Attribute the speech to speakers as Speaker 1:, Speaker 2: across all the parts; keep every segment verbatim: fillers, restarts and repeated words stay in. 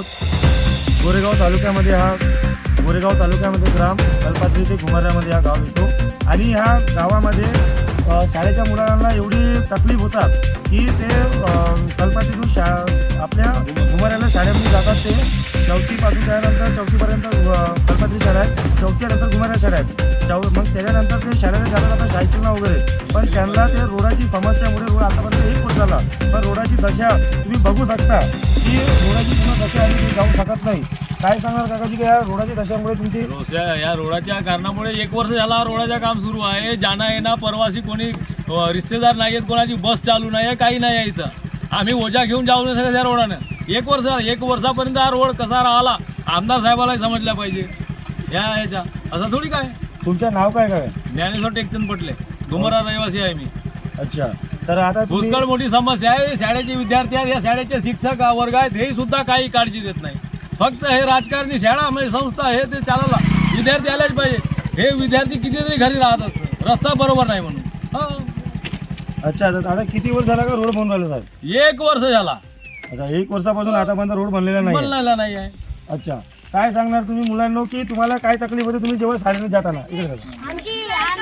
Speaker 1: आहोत। गोरेगाव तालुक्यामध्ये हा गोरेगाव तालुक्यामध्ये ग्राम कल्पात्री ते घुमाऱ्यामध्ये हा गाव येतो आणि ह्या गावामध्ये शाळेच्या मुलांना एवढी तकलीफ होतात की ते कल्पात्रीतून शा आपल्या घुमाऱ्याला शाळेमध्ये जातात। ते चौथीपासून त्यानंतर चौथीपर्यंत कल्पात्री शाळा आहे, चौथीनंतर घुमाऱ्या शाळा आहेत। चौ मग त्याच्यानंतर ते शाळेला जातात आता सायकलला वगैरे, पण त्यांना ते रोडाची समस्यामुळे रोड आतापर्यंत एक वर्ष झाला, पण रोडाची दशा तुम्ही बघू शकता की रोडाची पूर्ण दशा आहे ती जाऊ शकत नाही। काय सांगणार काकाजी की या रोडाची दशामुळे तुमची?
Speaker 2: या रोडाच्या कारणामुळे एक वर्ष झाला रोडाचं काम सुरू आहे। जाणं येणं प्रवासी कोणी रिश्तेदार नाही आहेत, कोणाची बस चालू नाही आहे, काही नाही आहे इथं। आम्ही ओझा घेऊन जाऊ नाही शकत या रोडानं। एक वर्ष एक वर्षापर्यंत हा रोड कसा राहिला आमदार साहेबाला समजल्या पाहिजे या ह्याच्या, असं थोडी काय।
Speaker 1: तुमचं नाव काय काय?
Speaker 2: ज्ञानेश्वर टेकचंद पटले, डोंगरा रहिवासी आहे मी।
Speaker 1: अच्छा, तर आता
Speaker 2: पुष्कळ मोठी समस्या आहे। शाळेचे विद्यार्थी आहेत, या शाळेचे शिक्षक वर्ग आहेत, हे सुद्धा काही काळजी देत नाही। फक्त हे राजकारणी शाळा म्हणजे संस्था हे ते चालायला विद्यार्थी आल्याच पाहिजे। हे विद्यार्थी कितीतरी घरी राहतात, रस्ता बरोबर नाही म्हणून। हा,
Speaker 1: अच्छा, तर आता किती वर्ष झाला का रोड बनवून राहिला साहेब?
Speaker 2: एक वर्ष झाला।
Speaker 1: अच्छा, एक वर्षापासून आतापर्यंत रोड बनलेला नाही
Speaker 2: बनलेला नाही आहे।
Speaker 1: अच्छा, काय सांगणार तुम्ही मुलांना की तुम्हाला काय तकलीफ होते तुम्ही जेव्हा शाळेत जाताना? इकडे बघा.
Speaker 3: आणखी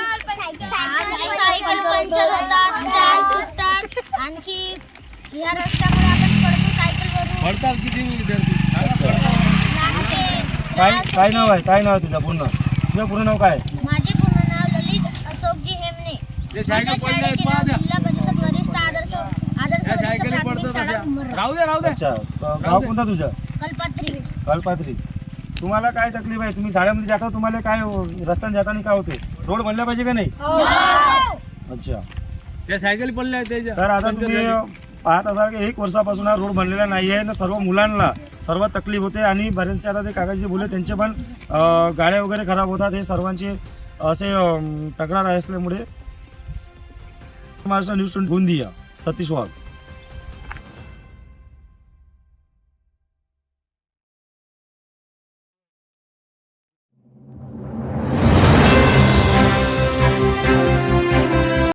Speaker 3: सायकल पंक्चर होतात, स्टँड तुटतात, आणखी या रस्त्यामुळे आपण पडतो सायकलवरून।
Speaker 2: पडतात किती विद्यार्थी?
Speaker 1: काय काय नाव आहे काय नाव आहे तुझं पूर्ण तुझं पूर्ण नाव काय?
Speaker 3: माझे पूर्ण नाव ललित अशोकजी हेमने।
Speaker 2: ते सायकल पडले आहेत, पहा द्या।
Speaker 3: जिल्हा परिषद वरिष्ठ आदर्श आदर्श
Speaker 2: त्या
Speaker 3: वरिष्ठ
Speaker 2: सायकली
Speaker 3: प्राथमिक
Speaker 2: पडतात
Speaker 3: शाळा
Speaker 2: अशा।
Speaker 3: घुमरा।
Speaker 2: राहू दे राहू दे।
Speaker 1: अच्छा, गाव कोणतं तुझं?
Speaker 3: कल्पात्री।
Speaker 1: कल्पात्री। तुम्हाला काय तकलीफ आहे? तुम्ही शाळेमध्ये जाता, तुम्हाला काय रस्त्याने जाताना काय होते? रोड बनला पाहिजे का नाही? अच्छा,
Speaker 2: त्या सायकली पडल्या आहेत त्याच्या।
Speaker 1: तर आता तुम्ही पाहत असाल की एक वर्षापासून हा रोड बनलेला नाही आहे ना, सर्व मुलांना सर्व तकलीफ होते आणि बरेचसे आता ते काकाजी बोलले त्यांचे पण गाड्या वगैरे खराब होतात। हे सर्वांचे असे तक्रार असल्यामुळे महाराष्ट्र न्यूज गोंदिया सतीश वाघ।